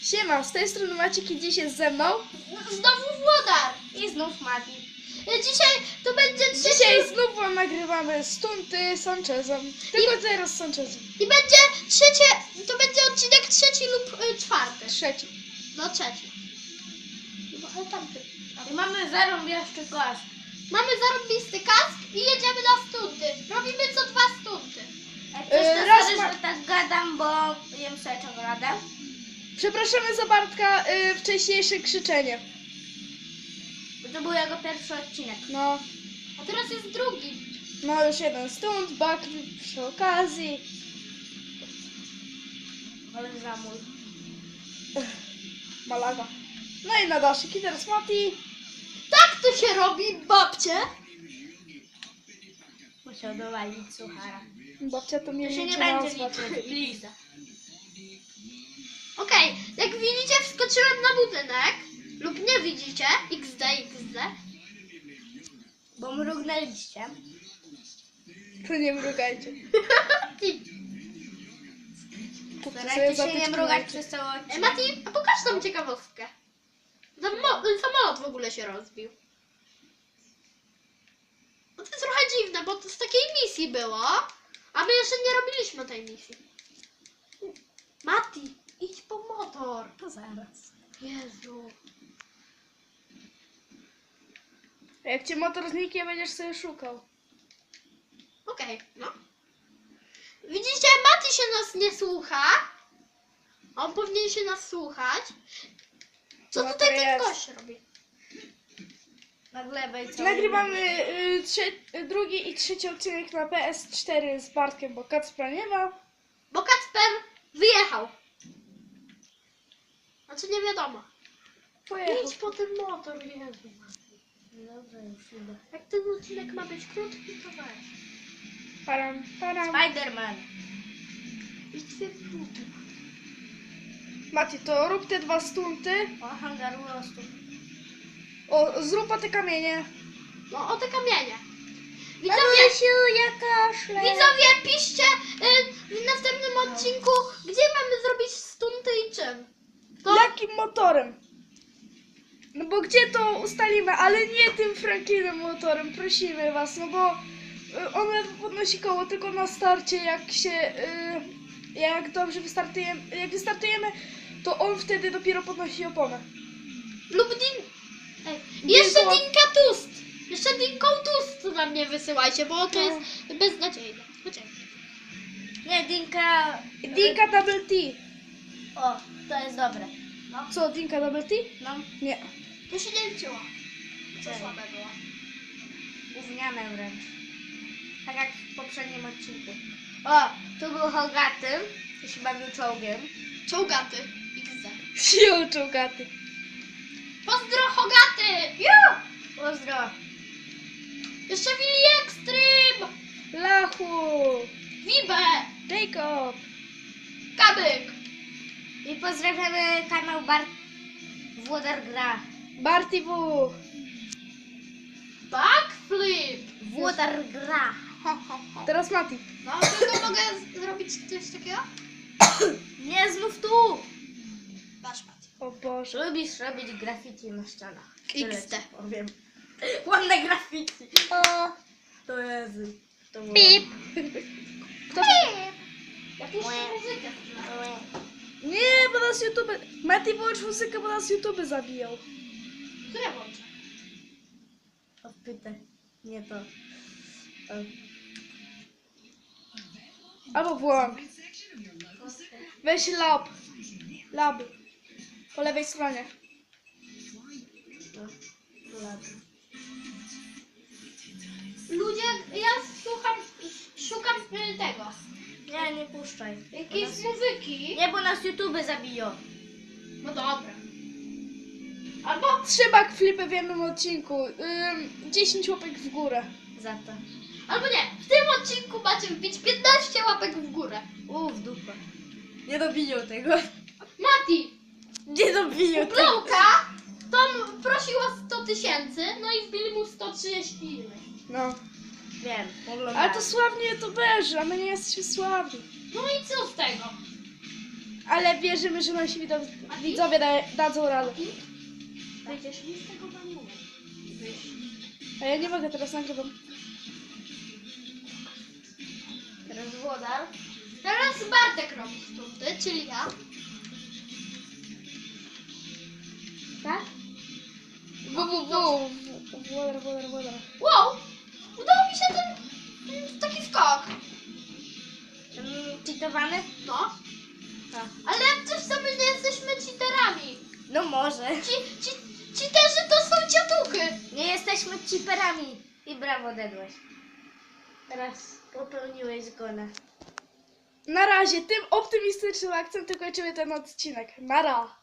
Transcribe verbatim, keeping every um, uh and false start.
Siema, z tej strony Maciek i dziś jest ze mną. Znowu Włodar i znów Mati. Dzisiaj to będzie trzeci... Dzisiaj znów wam nagrywamy stunty z Sanchezem. Tylko I- teraz z Sanchezem. I będzie trzecie, to będzie odcinek trzeci lub y, czwarty. Trzeci. No trzeci. No, ale tamty. I mamy zarąbiaszczy kask. Mamy zarobisty kask i jedziemy na stunty. Robimy co dwa stunty. Jak Yy, coś to raz sorry, ma- że tak gadam, bo jem sobie czekoladę. Przepraszamy za Bartka y, wcześniejsze krzyczenie. Bo to był jego pierwszy odcinek. No, A teraz jest drugi. no już jeden stunt, backflip przy okazji. Ale za mój. Malaga. No i na daszyk i teraz Mati. Tak to się robi, babcie. Musiał dowalić suchara. Babcia to mnie To się nie liczy będzie nazwać. liczyć. Liza. Okej, jak widzicie, wskoczyłem na budynek. Lub nie widzicie. iks de, iks de. Bo mrugnęliście. To nie mrugajcie. I- Kupcie sobie Starajcie się nie zatyczki mrugać na oczy. przez cały E, odcinek. Mati, a pokaż tą ciekawostkę. Samo- Samolot w ogóle się rozbił. No to jest trochę dziwne, bo to z takiej misji było, a my jeszcze nie robiliśmy tej misji. Mati, idź po motor. To zaraz. Jezu. A jak cię motor zniknie, będziesz sobie szukał. Okej, no. Widzicie, Mati się nas nie słucha. On powinien się nas słuchać. Co No to tutaj ten jest. gość robi? Na lewej co? Nagrywamy y, trze- drugi i trzeci odcinek na P S cztery z Bartkiem, bo Kacpra nie ma. Bo Kacper wyjechał. Znaczy nie wiadomo. Pojechał. Idź po ten motor, Jezu. Dobrze, już idę. Jak ten odcinek ma być krótki, to weź. Param, param. Spiderman. I dwie minuty. Mati, to rób te dwa stunty. O, hangar rostu. O, zrób o te kamienie. No o te kamienie. Widzowie, ja kaszlę. widzowie piszcie y, w następnym odcinku, gdzie mamy zrobić stunty i czym. To Jakim motorem? No bo gdzie to ustalimy, ale nie tym Franklinem motorem, prosimy was, no bo y, on ledwo podnosi koło tylko na starcie, jak się, y, jak dobrze wystartujemy, jak wystartujemy, to on wtedy dopiero podnosi oponę. lub din... Ej, jeszcze Dinko. Dinka Tust. Jeszcze Dinką Tust na mnie wysyłajcie, bo to No. jest beznadziejne. Chociaż. Nie, Dinka. Dinka Double T. O, to jest dobre. No. Co, Dinka Double T? No. Nie. To się nie liczyło. Co Czemu? słabe było. Gówniane wręcz. Tak jak w poprzednim odcinku. O, tu był Hogaty. To się bawił czołgiem. Czołgaty. iks de. Sił czołgaty. Pozdro Hogaty! Ju! Pozdro. Jeszcze Willy Extreme! Lachu. Wibę! Jacob. Kabyk! I pozdrawiamy kanał Bar... Włodar Gra. Barty W. Backflip! Włodar Gra. Ho, ho, ho. Teraz Mati. No, tylko mogę z- zrobić coś takiego? Nie, znów tu. Patrz, Mati. O Boże. Lubisz robić graffiti na ścianach. iks de. Tyle ci powiem. Ładne graffiti. O. To Jezu. To było... Pip! Kto? Ja puszczę muzykę. Nie, bo nas YouTube... Mati, wyłącz muzykę, bo nas YouTube zabijał. Co ja włączę? Odpytaj. Nie to. O. Albo włącz. Weź lab. Lab. Po lewej stronie. No. Ładnie. Ludzie, ja słucham, szukam y, tego. Nie, nie puszczaj. Jakiejś Bo nas- muzyki. Nie, bo nas YouTube zabiją. No dobra. Albo Trzy backflipy w jednym odcinku. Ym, dziesięć łapek w górę. Za to. Albo nie, w tym odcinku macie wbić piętnaście łapek w górę. U, w dupę. Nie dobiją tego. Mati, Nie dobiją tego. Blowka, Tom prosił o sto tysięcy, no i wbili mu sto trzydzieści innych. No. Wiem, Ale oglądałem. to sławni youtuberzy, a my nie jesteśmy sławni. No i co z tego? Ale wierzymy, że nasi widzowie, widzowie da, dadzą radę. Będziesz mi z tego bambuku. A ja nie mogę, teraz nagrywam. Teraz włodar. Teraz Bartek robi stunty, czyli ja. Tak? Bu, bu, bu. Wodar, wodar, wodar. Wow! Udało mi się ten, ten taki skok. Mm, Cheatowany? No. Tak. Ale jak coś sobie nie jesteśmy cheaterami. No może. Ci, ci, cheaterzy to są ciatuchy. Nie jesteśmy cheaperami. I brawo, dedłeś. Teraz popełniłeś zgonę. Na razie, tym optymistycznym akcentem kończymy ten odcinek. Nara.